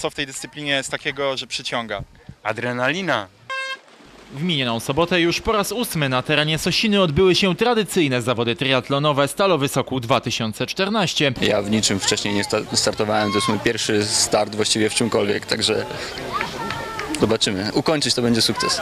Co w tej dyscyplinie jest takiego, że przyciąga? Adrenalina. W minioną sobotę już po raz 8 na terenie Sosiny odbyły się tradycyjne zawody triatlonowe Stalowy Sokół 2014. Ja w niczym wcześniej nie startowałem, to jest mój pierwszy start właściwie w czymkolwiek, także zobaczymy. Ukończyć to będzie sukces.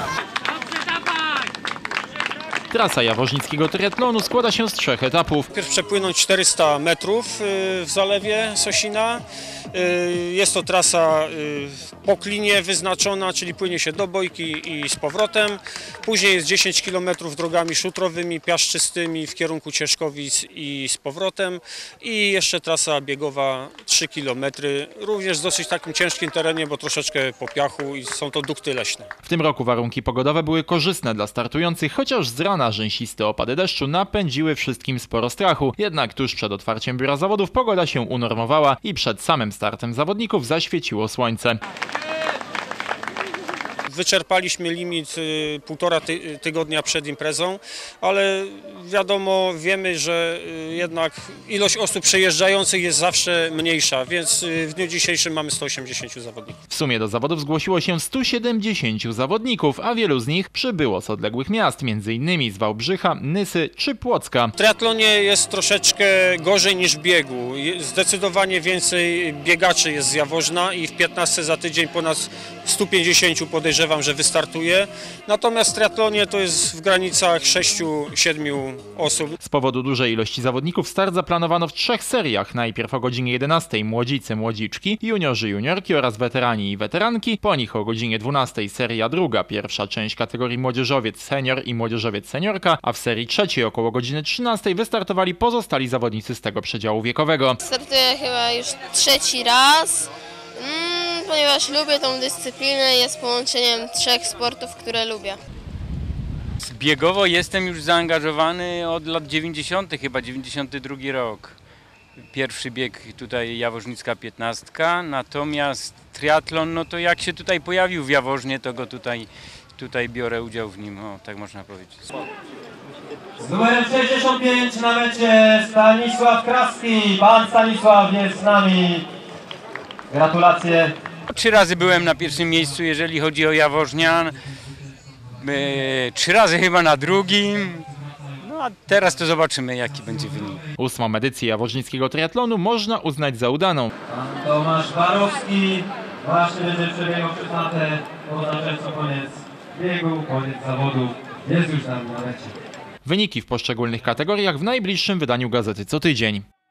Trasa jaworznickiego triatlonu składa się z 3 etapów. Najpierw przepłynąć 400 metrów w zalewie Sosina. Jest to trasa po klinie wyznaczona, czyli płynie się do Bojki i z powrotem. Później jest 10 km drogami szutrowymi, piaszczystymi w kierunku Cieszkowic i z powrotem. I jeszcze trasa biegowa 3 km, również w dosyć takim ciężkim terenie, bo troszeczkę po piachu i są to dukty leśne. W tym roku warunki pogodowe były korzystne dla startujących, chociaż z rana rzęsiste opady deszczu napędziły wszystkim sporo strachu. Jednak tuż przed otwarciem biura zawodów pogoda się unormowała i przed samym startem zawodników zaświeciło słońce. Wyczerpaliśmy limit półtora tygodnia przed imprezą, ale wiadomo, wiemy, że jednak ilość osób przejeżdżających jest zawsze mniejsza, więc w dniu dzisiejszym mamy 180 zawodników. W sumie do zawodów zgłosiło się 170 zawodników, a wielu z nich przybyło z odległych miast, m.in. z Wałbrzycha, Nysy czy Płocka. W triatlonie jest troszeczkę gorzej niż w biegu. Zdecydowanie więcej biegaczy jest z Jaworzna i w 15 za tydzień ponad 150 podejrzewam, że wystartuje. Natomiast w triatlonie to jest w granicach 6-7 osób. Z powodu dużej ilości zawodników start zaplanowano w 3 seriach. Najpierw o godzinie 11 młodzicy, młodziczki, juniorzy, juniorki oraz weterani i weteranki. Po nich o godzinie 12 seria druga, pierwsza część kategorii młodzieżowiec senior i młodzieżowiec seniorka, a w serii trzeciej około godziny 13 wystartowali pozostali zawodnicy z tego przedziału wiekowego. Startuję chyba już 3. raz. Ponieważ lubię tą dyscyplinę, jest połączeniem 3 sportów, które lubię. Biegowo jestem już zaangażowany od lat 90., chyba 92 rok. Pierwszy bieg tutaj Jaworznicka 15, natomiast triatlon, no to jak się tutaj pojawił w Jaworznie, to go tutaj biorę udział w nim, o, tak można powiedzieć. Z numerem 65 na mecie Stanisław Kraski. Pan Stanisław jest z nami. Gratulacje. 3 razy byłem na pierwszym miejscu, jeżeli chodzi o Jaworznian. 3 razy chyba na drugim. No a teraz to zobaczymy, jaki będzie wynik. 8. edycję jaworznickiego triatlonu można uznać za udaną. Pan Tomasz Barowski właśnie będzie przebiegał przez matę. Oznacza co koniec biegu, koniec zawodów. Jest już tam na mecie. Wyniki w poszczególnych kategoriach w najbliższym wydaniu Gazety Co Tydzień.